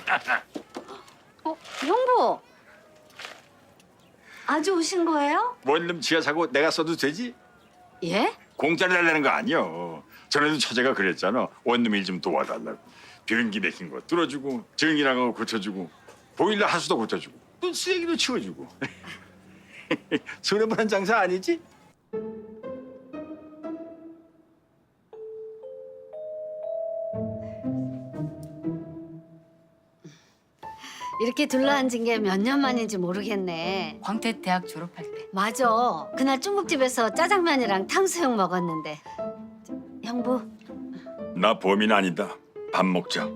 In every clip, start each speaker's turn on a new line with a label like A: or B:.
A: 형부. 아주 오신 거예요?
B: 원룸 지하 사고 내가 써도 되지?
A: 예?
B: 공짜로 달라는 거 아니여. 전에도 처제가 그랬잖아. 원룸 일 좀 도와달라고. 변기 막힌 거 뚫어주고 전기 나간 거 고쳐주고 보일러 하수도 고쳐주고 또 쓰레기도 치워주고. 손해보는 장사 아니지?
A: 이렇게 둘러앉은 게 몇 년 만인지 모르겠네.
C: 광태 대학 졸업할 때.
A: 맞아. 그날 중국집에서 짜장면이랑 탕수육 먹었는데. 형부,
B: 나 범인 아니다. 밥 먹자.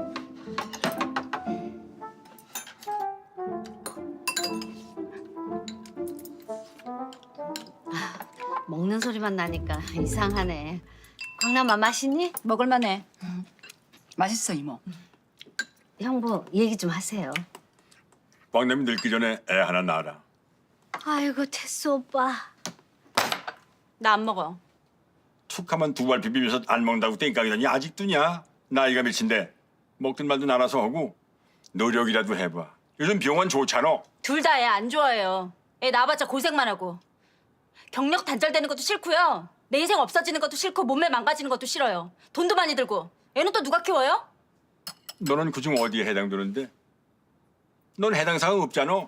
A: 먹는 소리만 나니까 이상하네. 광남아 맛있니?
C: 먹을만해. 맛있어 이모.
A: 형부, 얘기 좀 하세요.
B: 광남이 늙기 전에 애 하나 낳아라.
A: 아이고, 태수 오빠.
C: 나 안 먹어.
B: 툭하면 두 발 비비면서 안 먹는다고 땡깡이더니 아직도냐? 나이가 몇인데 먹든 말든 알아서 하고 노력이라도 해봐. 요즘 병원 좋잖아.
C: 둘 다 애 안 좋아해요. 애 낳아봤자 고생만 하고. 경력 단절되는 것도 싫고요. 내 인생 없어지는 것도 싫고 몸매 망가지는 것도 싫어요. 돈도 많이 들고. 애는 또 누가 키워요?
B: 너는 그중 어디에 해당되는데? 넌 해당 사항 없잖아.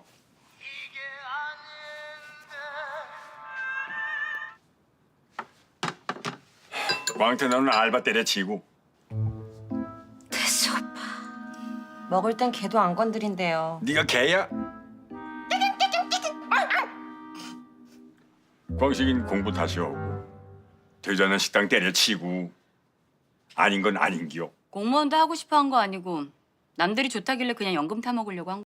B: 광태 너는 알바 때려치고
A: 태수 오빠.
D: 먹을 땐 걔도 안 건드린대요.
B: 네가 개야? 광식인 공부 다시 하고 되자는 식당 때려치고 아닌 건 아닌기요.
C: 공무원도 하고 싶어 한 거 아니고 남들이 좋다길래 그냥 연금 타먹으려고 한 거.